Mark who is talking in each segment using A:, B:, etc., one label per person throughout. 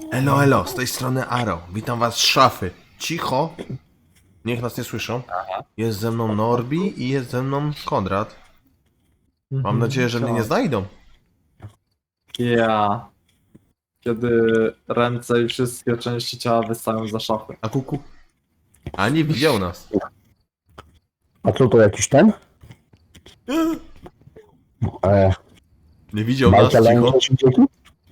A: Elo, elo, z tej strony Aro. Witam was z szafy. Cicho. Niech nas nie słyszą. Jest ze mną Norbi i jest ze mną Konrad. Mam nadzieję, że mnie nie znajdą.
B: Ja. Kiedy ręce i wszystkie części ciała wystają za szafy.
A: A kuku? A nie widział nas.
C: A co to jakiś ten?
A: Nie widział nas,
C: Bajka
A: cicho.
C: lęka się dzieci?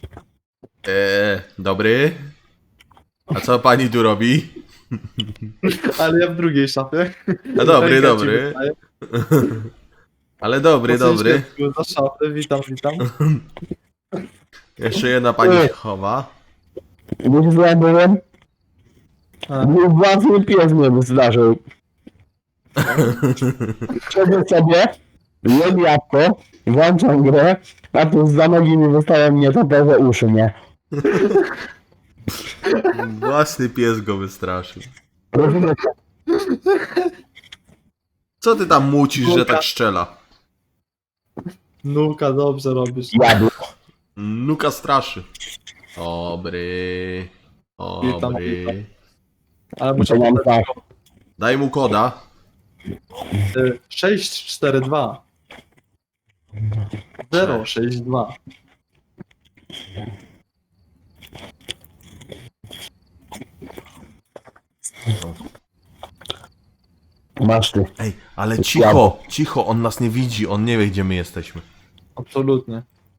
A: Dobry. A co pani tu robi?
B: Ale ja w drugiej szafie.
A: A dobry,
B: Ręka ci
A: dobry.
B: wystaje.
A: Ale dobry, dobry.
B: Za szafy, witam, witam.
A: Jeszcze jedna pani się chowa.
C: Wiesz co ja byłem? Mój własny pies mnie zdarzył. Siedzę sobie, jem jabłko, włączam grę, a tu za nogi mi wystają mnie topowe uszy, nie?
A: Własny pies go wystraszył.
C: Rozumiecie?
A: Co ty tam mucisz, że tak szczela?
B: Nuka, dobrze robisz.
C: Jadł.
A: Nuka straszy. Dobry. Dobry.
B: Ale muszę
C: To mam
B: podać
C: tak.
A: Daj mu koda.
B: 642 062.
C: Masz ty.
A: Ej, ale cicho, cicho, on nas nie widzi, on nie wie, gdzie my jesteśmy.
B: Absolutnie.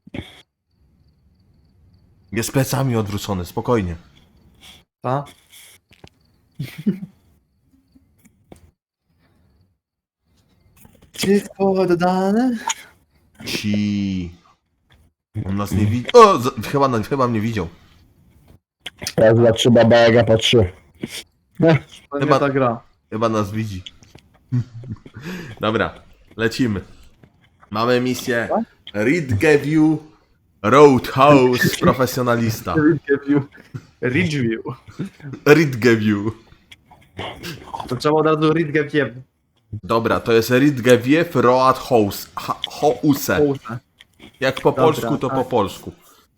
A: Jest plecami odwrócony, spokojnie.
B: Ta? Wszystko oddane?
A: On nas nie widzi. O, chyba mnie widział.
C: Raz, dwa, trzy, baba Jaga po trzy.
B: To
A: Chyba-
B: nie ta gra.
A: Chyba nas widzi. Dobra, lecimy. Mamy misję Ridgeview Roadhouse Profesjonalista.
B: Ridgeview.
A: Ridgeview.
B: To trzeba od razu Ridgeview.
A: Dobra, to jest Ridgeview Roadhouse. House. Jak po polsku, to
B: tak.
A: po polsku.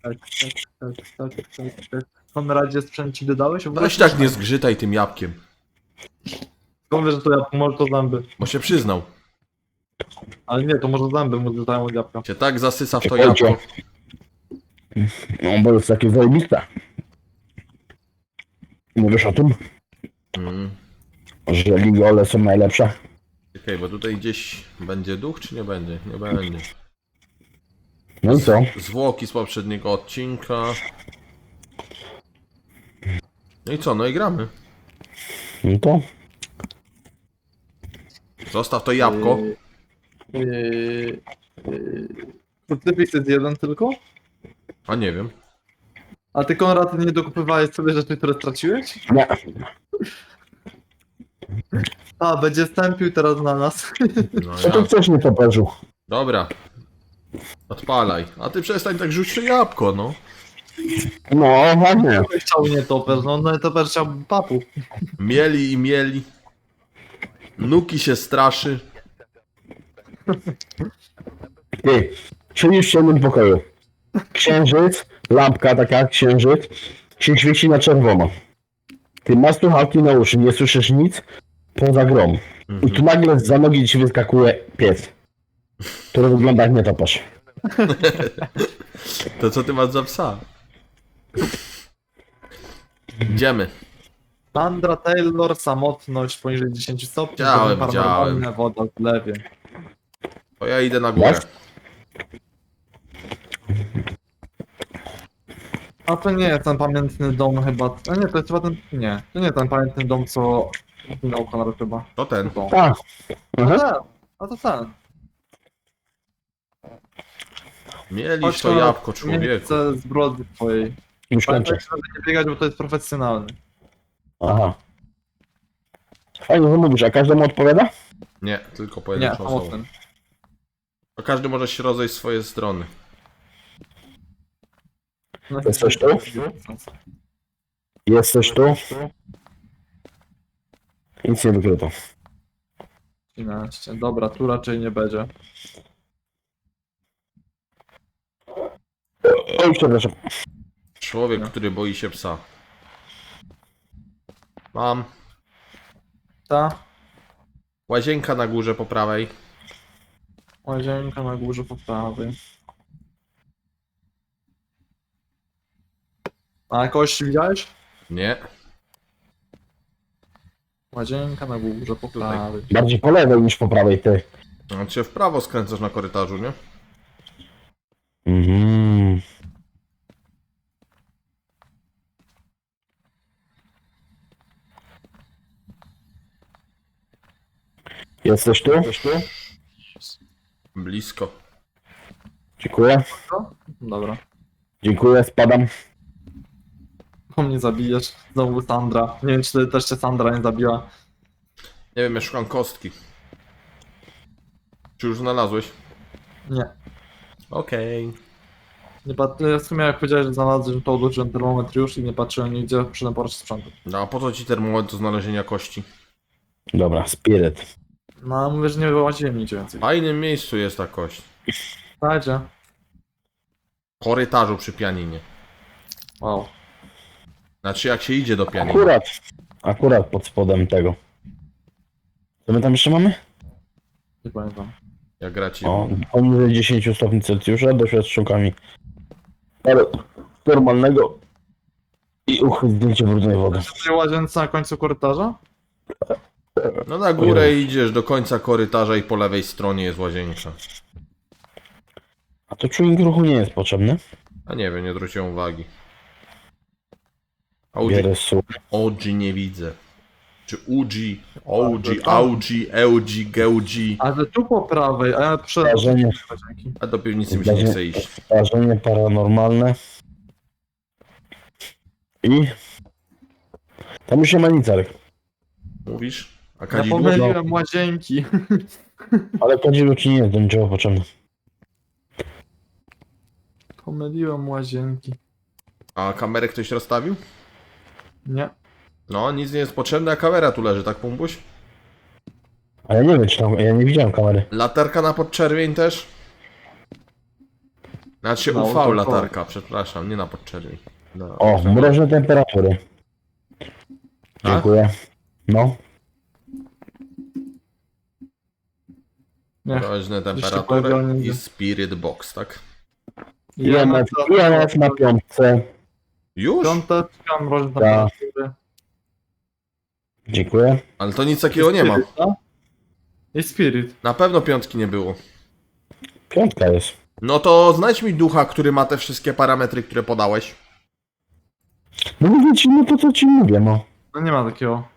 B: Tak. Konradzie, sprzęt ci dodałeś?
A: Weź tak nie zgrzytaj tym jabłkiem,
B: Skąd wiesz, że to ja może to zęby?
A: bo się przyznał.
B: Ale nie, to może zęby mu dodają od jabłka.
A: Cię tak zasysa w to
C: Czekajcie.
A: jabłko.
C: No bo jest takie zajebiste. Mówisz o tym,
A: Mm.
C: że ligole są najlepsze?
A: Czekaj, bo tutaj gdzieś będzie duch, czy nie będzie? Nie będzie.
C: No i co?
A: Zwłoki z poprzedniego odcinka. No i co? No i gramy.
C: No to?
A: Zostaw to jabłko.
B: Krucyfiks jest jeden tylko?
A: A nie wiem.
B: A ty, Konrad, nie dokupywałeś sobie rzeczy, które straciłeś?
C: Nie.
B: A, będzie stępił teraz na nas.
A: No
C: Co ty
A: ja.
C: chcesz nie poparzył?
A: Dobra. Odpalaj. A ty przestań tak rzucić to jabłko, no.
C: No, ładnie.
B: Chciał nie toper, no toper chciał papu.
A: Mieli i mieli. Nuki się straszy.
C: Ty, siedzisz w ciemnym pokoju. Księżyc, lampka taka jak księżyc, się świeci na czerwono. Ty masz słuchawki na uszy, nie słyszysz nic poza grą. I tu nagle za nogi ci wyskakuje pies, który wygląda jak nietoperz.
A: To co ty masz za psa? Idziemy.
B: Sandra Taylor, samotność poniżej 10 stopni.
A: Widziałem,
B: paranormalne, woda w lewie.
A: To ja idę na górę.
C: Jak?
B: A to nie jest ten pamiętny dom chyba. A nie, to jest chyba ten. Nie, to nie ten pamiętny dom, co zginął Konrad chyba.
A: To ten.
B: To.
C: Tak.
B: A
C: Aha.
B: ten, a to ten.
A: Mieliś to jabłko,
B: Nie
A: człowieku.
B: chcę zbrodni twojej.
C: Już kończę.
B: Pamiętaj, żeby nie biegać, bo to jest profesjonalny.
C: Aha. Fajnie, że mówisz, a każdemu odpowiada?
A: Nie, tylko
B: Nie,
A: pojedynczą osobą.
B: samotny.
A: To każdy może się rozejść w swoje strony.
B: No,
C: Jest coś tu? Jest coś tu? Nic nie wykryto.
B: 13. Dobra, tu raczej nie będzie.
C: Oj, przepraszam.
A: Człowiek,
B: No.
A: który boi się psa. Mam.
B: Ta
A: Łazienka na górze po prawej.
B: łazienka na górze po prawej. A kogoś widziałeś?
A: Nie.
B: Łazienka na górze po prawej.
C: Bardziej po lewej niż po prawej, ty.
A: On cię w prawo skręcasz na korytarzu, nie?
C: Mhm. Jesteś tu?
A: Blisko.
C: Dziękuję.
B: Dobra.
C: Dziękuję, spadam.
B: Po mnie zabijesz. Znowu Sandra. Nie wiem, czy też cię Sandra nie zabiła.
A: Nie wiem, ja szukam kostki. Czy już znalazłeś?
B: Nie.
A: Okej.
B: Nie w sumie jak powiedziałeś, że znalazłem, to odłożyłem termometr już i nie patrzyłem nigdzie, przyszedłem po raz sprzętu.
A: No a po co ci termometr do znalezienia kości?
C: Dobra, spiryt.
B: No, mówię, że nie wyłaziłem nigdzie więcej.
A: W fajnym miejscu jest ta kość.
B: Dajcie.
A: W korytarzu przy pianinie.
B: Wow.
A: Znaczy jak się idzie do pianina.
C: Akurat pod spodem tego. Co my tam jeszcze mamy?
B: Nie pamiętam.
A: Jak graci.
C: O, poniżej 10 stopni Celsjusza, doświadczeniami. Ale normalnego i zdjęcie brudnej wody.
B: W tej łazience na końcu korytarza?
A: No na górę idziesz do końca korytarza i po lewej stronie jest łazienka.
C: A to czujnik ruchu nie jest potrzebny.
A: A nie wiem, nie zwróciłem uwagi. OG,
C: Bierę sól.
A: OG nie widzę. Czy UG, OG, AUG, EUG, GEUG.
B: Ale tu po prawej, a ja przyszedłem do
C: Zdarzenie.
B: łazienki.
A: A do piwnicy mi się nie chce iść.
C: Zdarzenie paranormalne. I... Tam już nie ma nic, Arek.
A: Mówisz? A
B: Ja
A: kadzidło?
B: pomyliłem łazienki.
C: Ale kadzidło ci nie jest do niczego potrzebne.
B: Pomyliłem łazienki.
A: A kamerę ktoś rozstawił?
B: Nie.
A: No, nic nie jest potrzebne, a kamera tu leży, tak Pumbuś?
C: A ja nie wiem, czy tam... Ja nie widziałem kamery.
A: Latarka na podczerwień też? Znaczy
B: Na
A: UV
B: ultrafioletowo.
A: latarka, przepraszam, nie na podczerwień. Na
C: O, mroźne temperatury.
A: A?
C: Dziękuję. No.
B: Nie.
A: Mroźne
B: Jeszcze
A: temperatury
B: powiedziałem,
A: i
B: że-
A: Spirit Box, tak?
C: IMF na piątce.
A: Już?
B: Piąteczka, mroźne
C: Tak.
B: temperatury.
C: Dziękuję.
A: Ale to nic takiego nie ma.
B: Spirit, tak? I Spirit.
A: Na pewno piątki nie było.
C: Piątka jest.
A: No to znajdź mi ducha, który ma te wszystkie parametry, które podałeś.
C: No mówię ci, no to co ci mówię, no.
B: No nie ma takiego.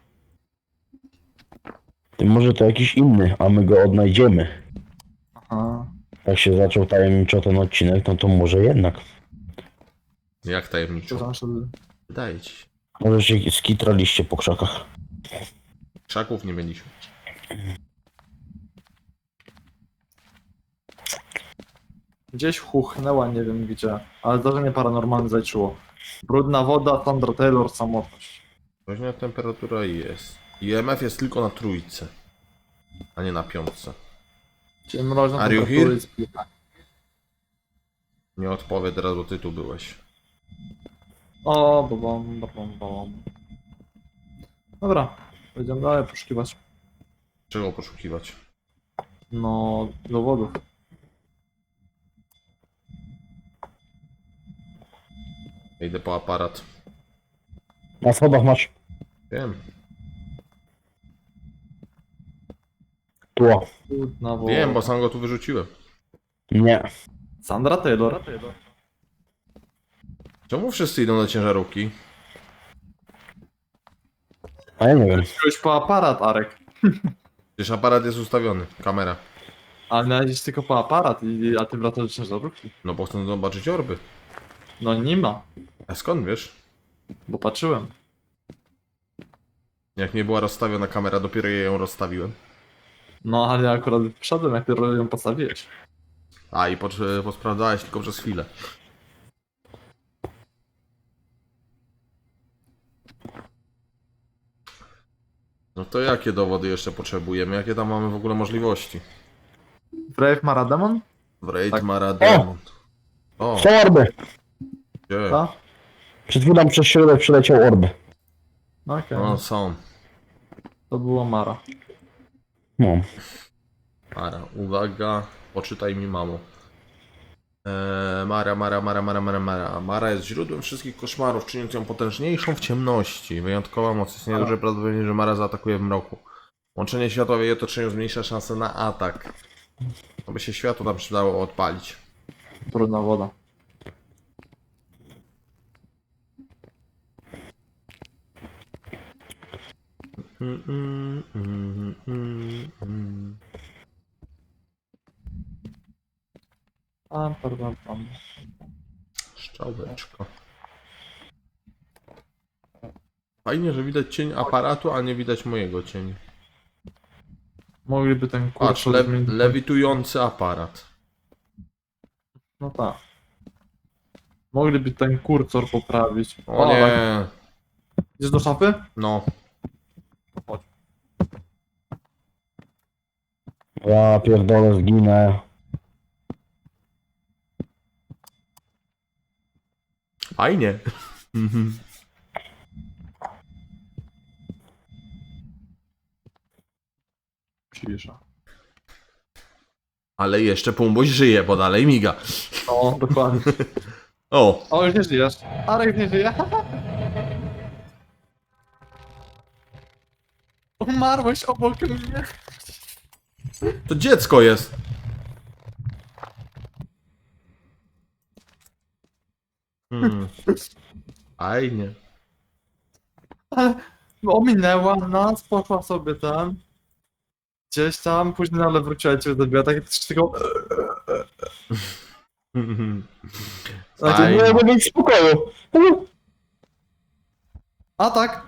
C: Ty może to jakiś inny, a my go odnajdziemy.
B: Aha.
C: Tak się zaczął tajemniczo ten odcinek, no to może jednak.
A: Jak tajemniczo?
B: Przepraszam, że...
A: Wydaje ci się.
C: Może się skitraliście po krzakach.
A: Krzaków nie mieliśmy.
B: Gdzieś huchnęła, nie wiem gdzie. Ale zdarzenie paranormalne zaliczyło. Brudna woda, Sandra Taylor, samotność.
A: Mroźna temperatura jest. IMF jest tylko na trójce, a nie na piątce.
B: Czyli mroźna
A: Are you
B: temperatura
A: here?
B: jest...
A: Nie odpowiem teraz, bo ty tu byłeś.
B: O, bom. Dobra, będziemy dalej poszukiwać.
A: Czego poszukiwać?
B: No, dowodów.
A: Idę po aparat.
C: Na schodach masz
A: Wiem.
C: tło.
B: Brudna woda.
A: Wiem, bo sam go tu wyrzuciłem.
C: Nie.
B: Sandra Taylor.
A: Czemu wszyscy idą do ciężarówki?
C: A ja nie wiem.
B: Wziąłeś po aparat, Arek.
A: Przecież aparat jest ustawiony, kamera.
B: Ale miałeś tylko po aparat, a ty wracasz do ciężarówki.
A: No bo chcę zobaczyć orby.
B: No nie ma,
A: A skąd wiesz?
B: bo patrzyłem.
A: Jak nie była rozstawiona kamera, dopiero ja ją rozstawiłem.
B: No ale ja akurat wszedłem, jak ty ją postawiłeś.
A: A i posprawdzałeś tylko przez chwilę. No to jakie dowody jeszcze potrzebujemy? Jakie tam mamy w ogóle możliwości?
B: Brave Marademon?
A: W Raid
B: Tak.
A: Marademont. O,
C: Są orby.
A: gdzie?
B: Tak?
C: Przed chwilą przez środek przeleciał orb.
B: Okej,
A: No są.
B: to było Mara.
C: No.
A: Mara, uwaga, poczytaj mi mamo. Mara. Mara jest źródłem wszystkich koszmarów, czyniąc ją potężniejszą w ciemności. Wyjątkowa moc. Istnieje duże prawdopodobieństwo, że Mara zaatakuje w mroku. Łączenie światła w jej otoczeniu zmniejsza szanse na atak. Aby się światło tam przydało odpalić.
B: Brudna woda. Pam.
A: Szczałeczko. Fajnie, że widać cień aparatu, a nie widać mojego cienia.
B: Mogliby ten
A: Patrz,
B: kursor zmienić.
A: lewitujący aparat.
B: No tak. Mogliby ten kursor poprawić.
A: O
B: tak.
A: nie,
B: Idziesz do szafy?
A: no.
B: Chodź.
C: Ja pierdolę, zginę.
A: Fajnie.
B: Cisza.
A: Ale jeszcze Pumboś żyje, bo dalej miga.
B: O, dokładnie.
A: O,
B: O, już nie żyjesz. Arek nie żyje. Umarłeś obok mnie.
A: to dziecko jest. Fajnie.
B: Ale ominęła nas, poszła sobie tam. Gdzieś tam, później ale wróciła cię zabiła, tak tylko...
A: Fajnie.
C: Nie mogę mieć spokoju.
B: A tak!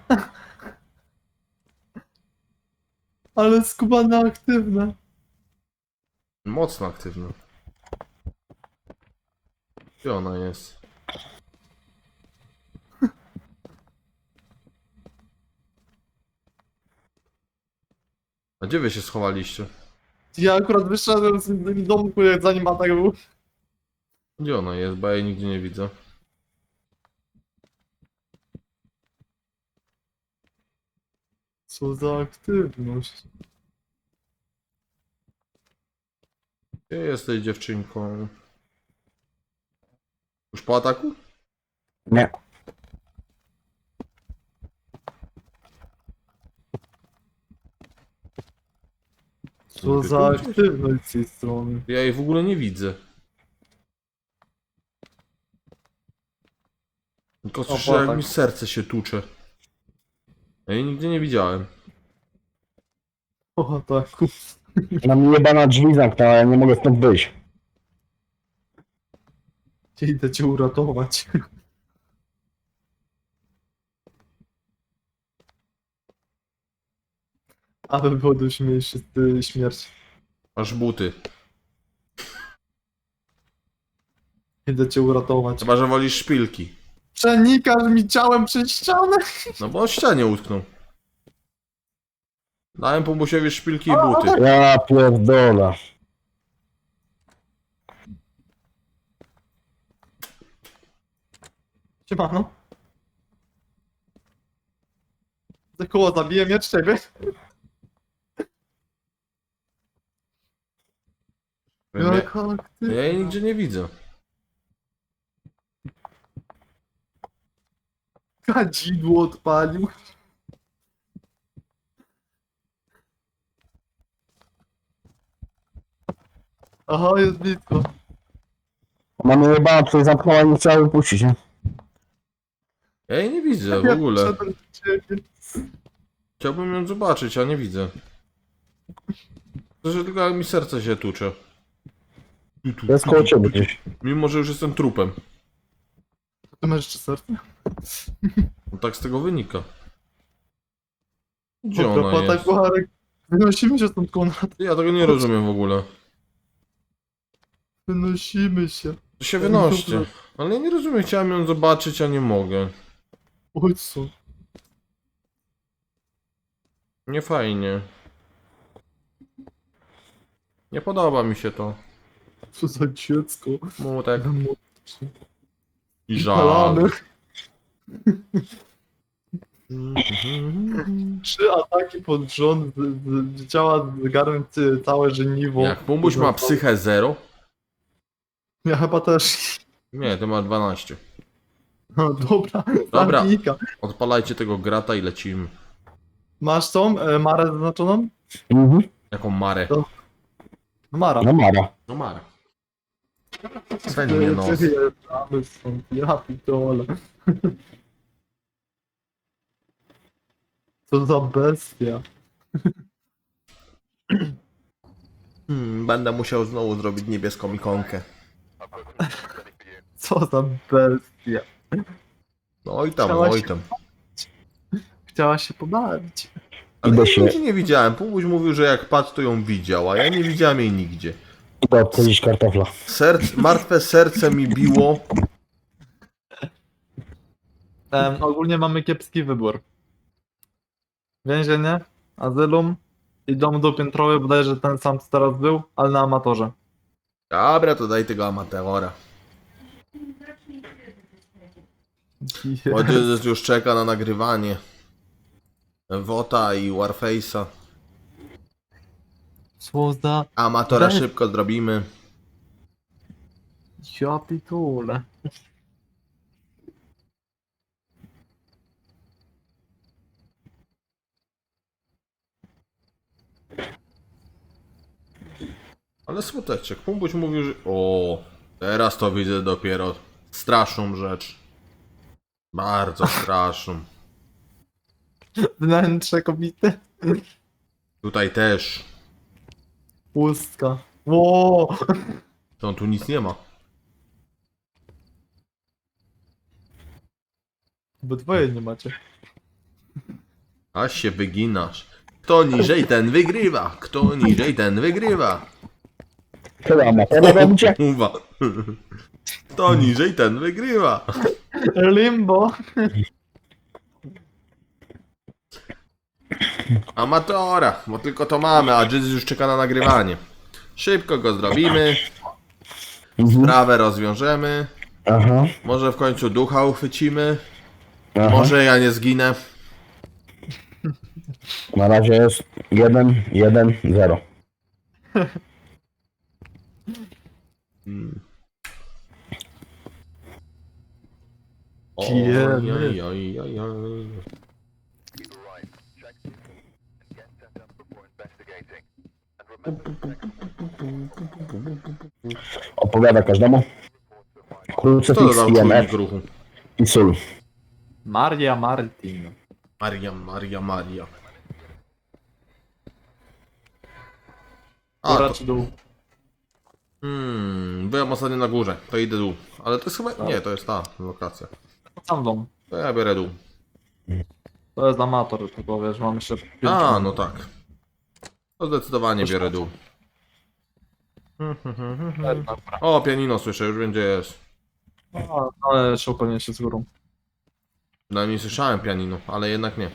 B: Ale skubana aktywna.
A: Mocno aktywna. Gdzie ona jest? A gdzie wy się schowaliście?
B: Ja akurat wyszedłem z domu, zanim atak był.
A: Gdzie ona jest? Bo ja jej nigdzie nie widzę.
B: Co za aktywność.
A: Gdzie jesteś, dziewczynką? Już po ataku?
C: Nie.
B: Co za aktywność z tej strony.
A: Ja jej w ogóle nie widzę. Tylko słyszę, jak
B: tak.
A: mi serce się tłucze. Ja jej nigdzie nie widziałem.
B: O ataku.
C: Na mnie jebana drzwi zamknęła, ja nie mogę stąd wyjść.
B: Idę cię uratować. Aby było do śmierci.
A: Masz buty.
B: Idę cię uratować.
A: Chyba, że wolisz szpilki.
B: Przenikasz mi ciałem przez ścianę.
A: No bo o ścianie utknął. Dałem Pumbusiowi szpilki i buty.
C: Ja pierdolę.
B: Siemano. Za koło zabiję mnie ciebie. Jak aktywna.
A: Ja jej nigdzie nie widzę.
B: Kadzidło odpalił. Aha, jest blisko.
C: Ona mnie jebana tutaj zamknęła i nie chciała wypuścić, nie?
A: Ja jej nie widzę w
B: Ja
A: ogóle.
B: wszedłem do ciebie.
A: Chciałbym ją zobaczyć, a nie widzę. To, że tylko jak mi serce się tłucze.
C: Jest koło ciebie gdzieś.
A: Mimo, że już jestem trupem.
B: Ty masz jeszcze serce?
A: No tak z tego wynika. Gdzie
B: Dobra,
A: ona
B: tak
A: jest?
B: Arek. Wynosimy się stąd, Konrad.
A: Ja tego nie rozumiem w ogóle.
B: Wynosimy się.
A: To się wynoście. Ale ja nie rozumiem, chciałem ją zobaczyć, a nie mogę.
B: Chodź co?
A: Nie fajnie. Nie podoba mi się to.
B: Co za dziecko.
A: Mutek
B: Młodszy.
A: i żal.
B: Palamy. 3 ataki pod rząd, działa zgarnąć całe żeniwo.
A: Jak Pumbuś ma psychę 0?
B: Ja chyba też.
A: Nie, ty ma 12.
B: No dobra,
A: Dobra.
B: zabijka.
A: Odpalajcie tego grata i lecimy.
B: Masz tą Marę zaznaczoną?
C: Mhm.
A: Jaką Marę?
B: To- No Mara.
C: No Mara.
A: No Marę. Swędzi mnie nos.
B: Wyjeżdżamy stąd, ja pitole. Co za bestia.
A: Będę musiał znowu zrobić niebieską ikonkę.
B: Co za bestia.
A: No oj tam,
B: Chciałaś-
A: oj tam.
B: Chciała się pobawić.
A: Ale
C: Idę
A: ja
C: się-
A: nigdzie nie widziałem. Pumbuś mówił, że jak patrz, to ją widział, a ja nie widziałem jej nigdzie.
C: Idę odcedzić kartofla.
A: Martwe serce mi biło.
B: Ogólnie mamy kiepski wybór. Więzienie, azylum i dom dopiętrowy, bodajże ten sam co teraz był, ale na amatorze.
A: Dobra, to daj tego amatora. Bo już czeka na nagrywanie. Wota i Warface'a.
B: Co za...
A: Amatora
B: Bez-
A: szybko zrobimy.
B: Ja pitole.
A: Ale smuteczek. Pumbuś mówił, że... O, teraz to widzę dopiero straszną rzecz. Bardzo straszną.
B: Wnętrze kobiety.
A: Tutaj też.
B: Pustka. Ło!
A: To tu nic nie ma.
B: Obydwoje nie macie.
A: Aż się wyginasz. Kto niżej, ten wygrywa. Kto niżej, ten wygrywa.
C: Co amatora robicie?
A: Uwa. Kto niżej, ten wygrywa.
B: Limbo.
A: Amatora, bo tylko to mamy, a Jizz już czeka na nagrywanie. Szybko go zrobimy.
C: Mhm.
A: Sprawę rozwiążemy.
C: Aha.
A: Może w końcu ducha uchwycimy.
C: Aha.
A: Może ja nie zginę.
C: Na razie jest 1, 1, 0.
A: Oj,
B: Jemy.
A: oj, oj, oj, oj.
C: Opowiada każdemu.
A: Kto
C: Krucyfiks,
A: dodał
C: IMF
A: czujnik ruchu?
C: i sól.
B: Maria Martin.
A: Maria. A,
B: Góra
A: to,
B: czy dół?
A: byłem ostatnio na górze, to idę dół. Ale to jest chyba... Nie, to jest ta lokacja.
B: Sam dom.
A: To ja biorę dół.
B: To jest amator, tylko wiesz, mam jeszcze 5
A: A, no tak. To zdecydowanie biorę dół. O, pianino słyszę, już będzie jest.
B: Ale jeszcze upewnię się z górą.
A: Przynajmniej słyszałem pianino, ale jednak nie.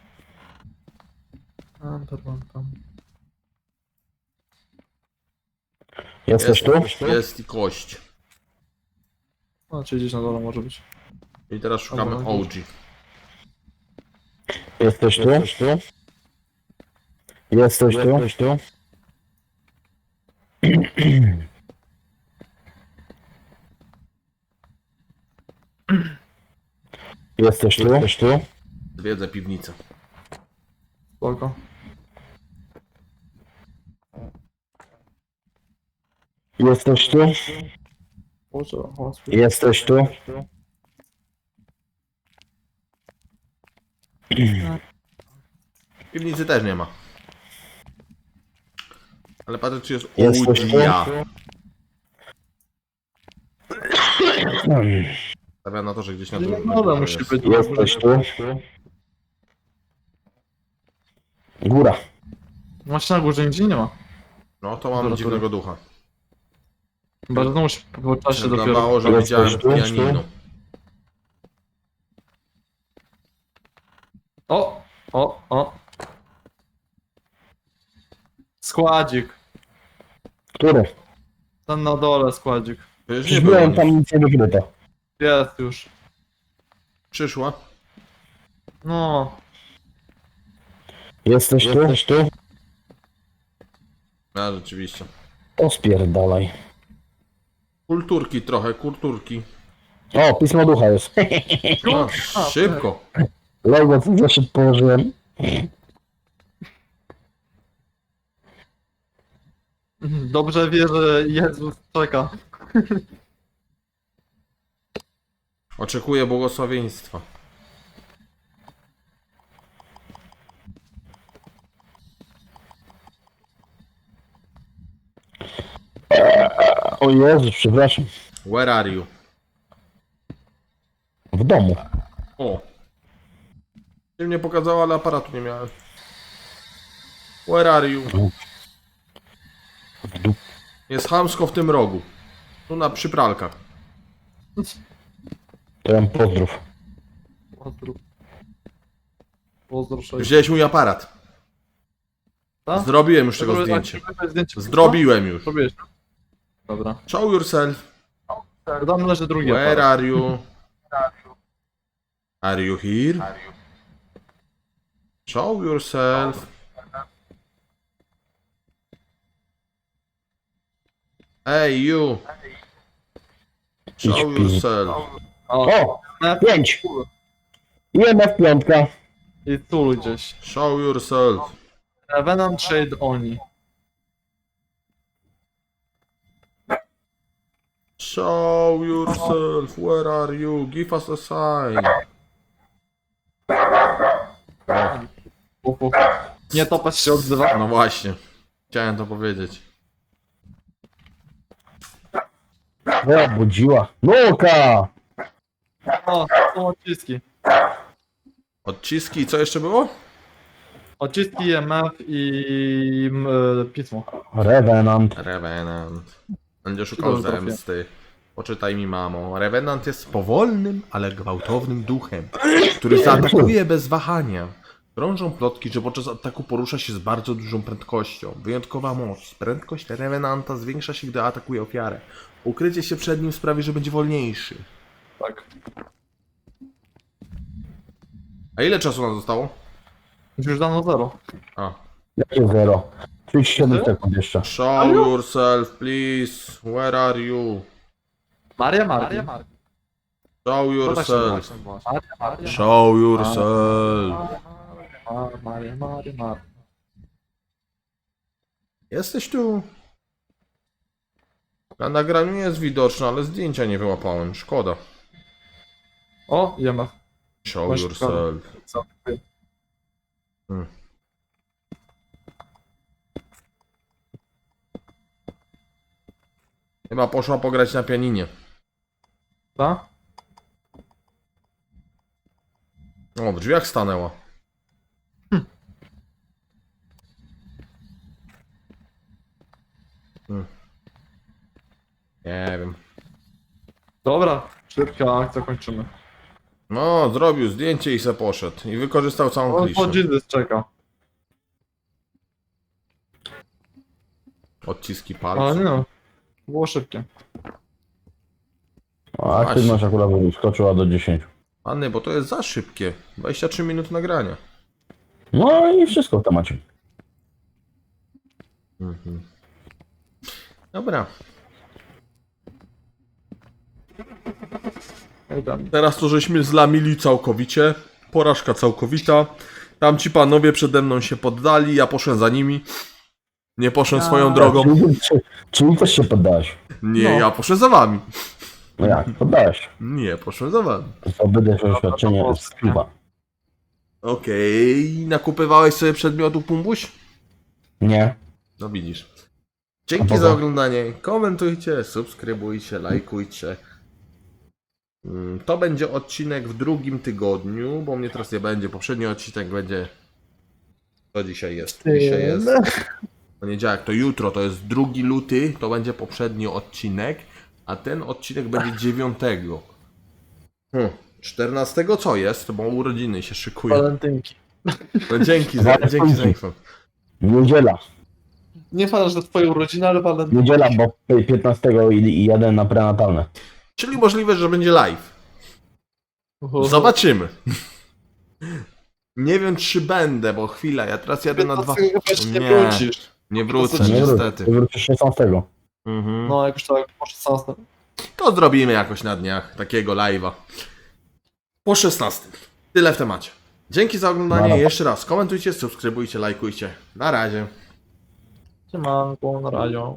C: Jesteś tu?
A: Jest i kość.
B: No, czy gdzieś na dole może być.
A: I teraz szukamy
B: Dobra.
A: OG.
C: Jesteś tu? Jesteś tu? Jesteś tu?
A: Zwiedzę piwnicę.
B: Spoko.
C: Jesteś tu?
B: Boże,
C: Jesteś tu?
A: Piwnicy też nie ma. Ale patrzę, czy jest
C: Jesteś tu?
A: OG.
C: Hmm.
A: Stawiam na to, że gdzieś na dół.
B: No, musi
A: jest.
B: być.
C: Jesteś tu? Góra.
B: Właśnie na górze nigdzie nie ma.
A: No to mam
B: Dobra,
A: dziwnego ducha.
B: Chyba, że znowu się po czasie dopiero.
A: Wyglądało, że
C: Jesteś
A: widziałem
C: tu?
A: pianino.
B: O! Składzik.
C: Który?
B: Ten na dole składzik.
A: Przecież nie
C: Przecież
A: było
C: byłem
A: nic.
C: tam nic nie wykryto.
B: Jest już.
A: Przyszła.
B: No,
C: Jesteś tu? Jesteś tu?
A: A, rzeczywiście.
C: To spierdalaj.
A: Kulturki trochę, kulturki.
C: O, pismo ducha jest.
A: No, szybko.
C: Logo za szybko położyłem.
B: dobrze wie, że Jezus czeka.
A: Oczekuję błogosławieństwa.
C: O Jezu, przepraszam.
A: Where are you?
C: W domu.
A: O. Ty mnie pokazała, ale aparatu nie miałem. Where are you?
C: W dup.
A: Jest chamsko w tym rogu. Tu na przypralkach.
C: To ja pozdrów.
B: Pozdrów. Pozdrów. sześć.
A: Wziąłeś mój aparat.
B: Tak?
A: Zrobiłem już tego
B: Dobra,
A: zdjęcie.
B: tak, zdjęcie.
A: Zrobiłem już.
B: Zrobiłeś. Dobra.
A: Show yourself.
B: Tam leży drugi
A: Where
B: aparat.
A: are you? Are you here? Show yourself. Hey you. Show
C: Idź,
A: yourself.
C: O!
B: Na
C: 5! IMF piątka.
B: I tu gdzieś.
A: Show yourself.
B: Revenant Shade Oni.
A: Show yourself. Where are you? Give us a sign.
B: Nie topać się odzywa.
A: No właśnie. Chciałem to powiedzieć.
C: O, budziła. Nuka!
B: O, są odciski.
A: Odciski, co jeszcze było?
B: Odciski MF i pismo.
C: Revenant.
A: Revenant. Będzie
B: Czy
A: szukał
B: to trafię?
A: zemsty. Poczytaj mi, mamo. Revenant jest powolnym, ale gwałtownym duchem, który zaatakuje bez wahania. Krążą plotki, że podczas ataku porusza się z bardzo dużą prędkością. Wyjątkowa moc. Prędkość Revenanta zwiększa się, gdy atakuje ofiarę. Ukrycie się przed nim sprawi, że będzie wolniejszy.
B: Tak.
A: A ile czasu nam zostało?
B: Już dano 0.
A: A.
C: Jakie 0? 37
B: Zero?
C: sekund jeszcze.
A: Show yourself, please. Where are you?
B: Maria Maria.
A: Show
B: tak
A: yourself.
B: Maria.
A: Show yourself.
B: Maria.
A: Jesteś tu? Na nagraniu jest widoczne, ale zdjęcia nie wyłapałem. Szkoda.
B: O, IMF.
A: Show
B: Masz
A: yourself.
B: Co?
A: Chyba poszła pograć na pianinie.
B: Ta?
A: O, w drzwiach stanęła. Nie wiem.
B: Dobra, szybka akcja, kończymy.
A: No, zrobił zdjęcie i se poszedł. I wykorzystał całą
B: O,
A: kliszę.
B: Jesus czeka.
A: Odciski
B: Ale
A: palców.
B: nie no. Było szybkie.
C: A aktywność akurat skoczyła do 10.
A: Anny, bo to jest za szybkie. 23 minuty nagrania.
C: No i wszystko w temacie.
A: Dobra.
B: Tam.
A: Teraz to żeśmy zlamili całkowicie. Porażka całkowita. Tamci panowie przede mną się poddali, ja poszłem za nimi. Nie poszłem swoją drogą.
C: Czyli też się poddałeś.
A: Nie,
B: No.
A: ja poszłem za wami.
C: No jak? Poddałeś.
A: Nie, poszłem za wami.
C: To wydać oświadczenie z piwa.
A: Okej, nakupywałeś sobie przedmiotu Pumbuś?
C: Nie.
A: No widzisz.
C: A
A: Dzięki
C: poza-
A: za oglądanie. Komentujcie, subskrybujcie, lajkujcie. To będzie odcinek w drugim tygodniu, bo mnie teraz nie będzie. Poprzedni odcinek będzie... Co dzisiaj jest? Dzisiaj jest poniedziałek, to jutro, to jest 2 luty, to będzie poprzedni odcinek, a ten odcinek będzie 9. 14 co jest? Bo urodziny się szykują.
B: Walentynki.
A: No dzięki za info.
C: Niedziela.
B: Nie fajne, że to twoje urodziny, ale walentynki.
C: Niedziela, bo 15 i jadę na prenatalne.
A: Czyli możliwe, że będzie live. Zobaczymy. Nie wiem, czy będę, bo chwila, ja teraz jadę na 2...
B: Nie
A: Nie.
B: wrócisz.
A: Nie wrócę,
B: To co,
A: niestety.
C: Wrócisz 16.
A: Mhm.
B: No, jak już tak po 16.
A: To zrobimy jakoś na dniach takiego live'a. Po 16. Tyle w temacie. Dzięki za oglądanie.
C: Dobra.
A: Jeszcze raz komentujcie, subskrybujcie, lajkujcie. Na razie.
B: Siemanko, na razie.